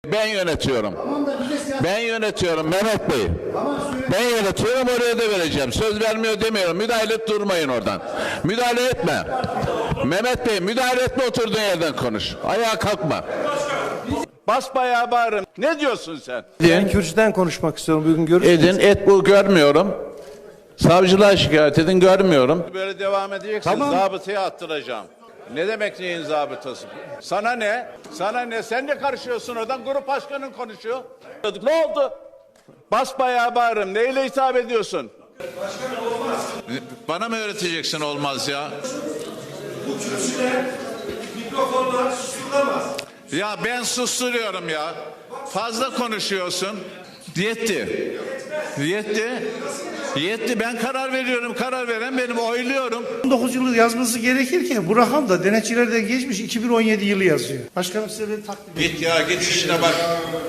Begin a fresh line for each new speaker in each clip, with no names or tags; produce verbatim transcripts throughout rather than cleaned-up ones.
Ben yönetiyorum. Ben yönetiyorum Mehmet Bey. Ben yönetiyorum, oraya da vereceğim. Söz vermiyor demiyorum. Müdahale et, durmayın oradan. Müdahale etme. Mehmet Bey müdahale etme, oturduğun yerden konuş. Ayağa kalkma. Basbayağı bağırın. Ne diyorsun sen?
Ben kürsüden konuşmak istiyorum. Bugün görüşürüz.
Edin, et bu, görmüyorum. Savcılığa şikayet edin, görmüyorum. Böyle devam edeceksin.
Tamam.
Zabıtaya attıracağım. Ne demek neyin zabıtası? Sana ne? Sana ne? Sen de karışıyorsun oradan. Grup başkanın konuşuyor. Ne oldu? Basbayağı bağırın. Neyle hitap ediyorsun? Başkanım olmaz. Bana mı öğreteceksin olmaz ya?
Bu kürsüde mikrofonlar susturulamaz.
Ya ben susturuyorum ya. Fazla konuşuyorsun. Yetti. Yetti. Yetti. Ben karar veriyorum. Karar veren benim. Oyluyorum.
on dokuz yılı yazması gerekirken bu rakam da denetçilerden geçmiş iki bin on yedi yılı yazıyor. Başkanım size ben takdim edeyim.
Git ya, git işine bak.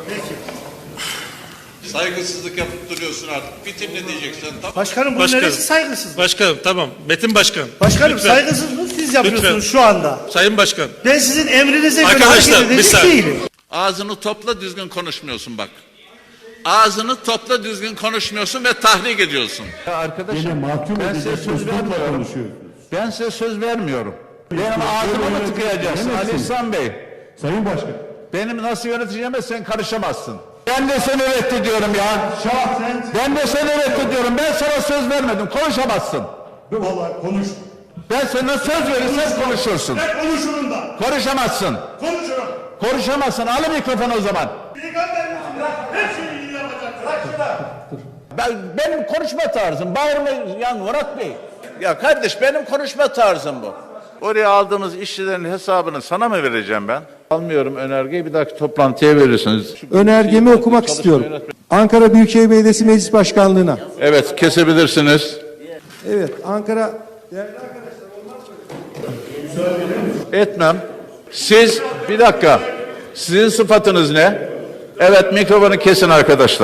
Saygısızlık yapıp duruyorsun artık. Bitir ne diyeceksin? Tamam.
Başkanım bu
Başkanım.
neresi saygısız?
Başkanım tamam. Metin Başkan.
Başkanım
Lütfen.
saygısızlık siz yapıyorsunuz
Lütfen.
şu anda.
Sayın Başkan.
Ben sizin emrinize göre
Arkadaşlar,
hareket
bir
edecek
saniye.
değilim.
Ağzını topla, düzgün konuşmuyorsun bak. Ağzını topla, düzgün konuşmuyorsun ve tahrik ediyorsun. Ya arkadaşım, ben size söz vermiyorum. Ben size söz vermiyorum. Benim ağzımı mı tıkayacaksın Ali İhsan Bey?
Sayın Başkan.
Benim nasıl yöneteceğime sen karışamazsın. Ben de seni reddediyorum ya.
Şahsen.
Ben de seni reddediyorum. Ben sana söz vermedim. Konuşamazsın.
Vallahi konuş.
Ben sana söz verirsem konuşursun.
Ben konuşurum da.
Konuşamazsın.
Konuşurum.
Konuşamazsın. Al mikrofonu o zaman.
Her şeyi iyi yapacak. Bırak şunu.
Ben, benim konuşma tarzım. Bağırma yan Murat Bey. Ya kardeş, benim konuşma tarzım bu. Oraya aldığımız işçilerin hesabını sana mı vereceğim ben? Almıyorum önergeyi, bir dahaki toplantıya verirsiniz.
Önergemi okumak istiyorum. Ankara Büyükşehir Belediyesi Meclis Başkanlığı'na.
Evet, kesebilirsiniz.
Evet, Ankara...
Etmem. Siz, bir dakika. Sizin sıfatınız ne? Evet, mikrofonu kesin arkadaşlar.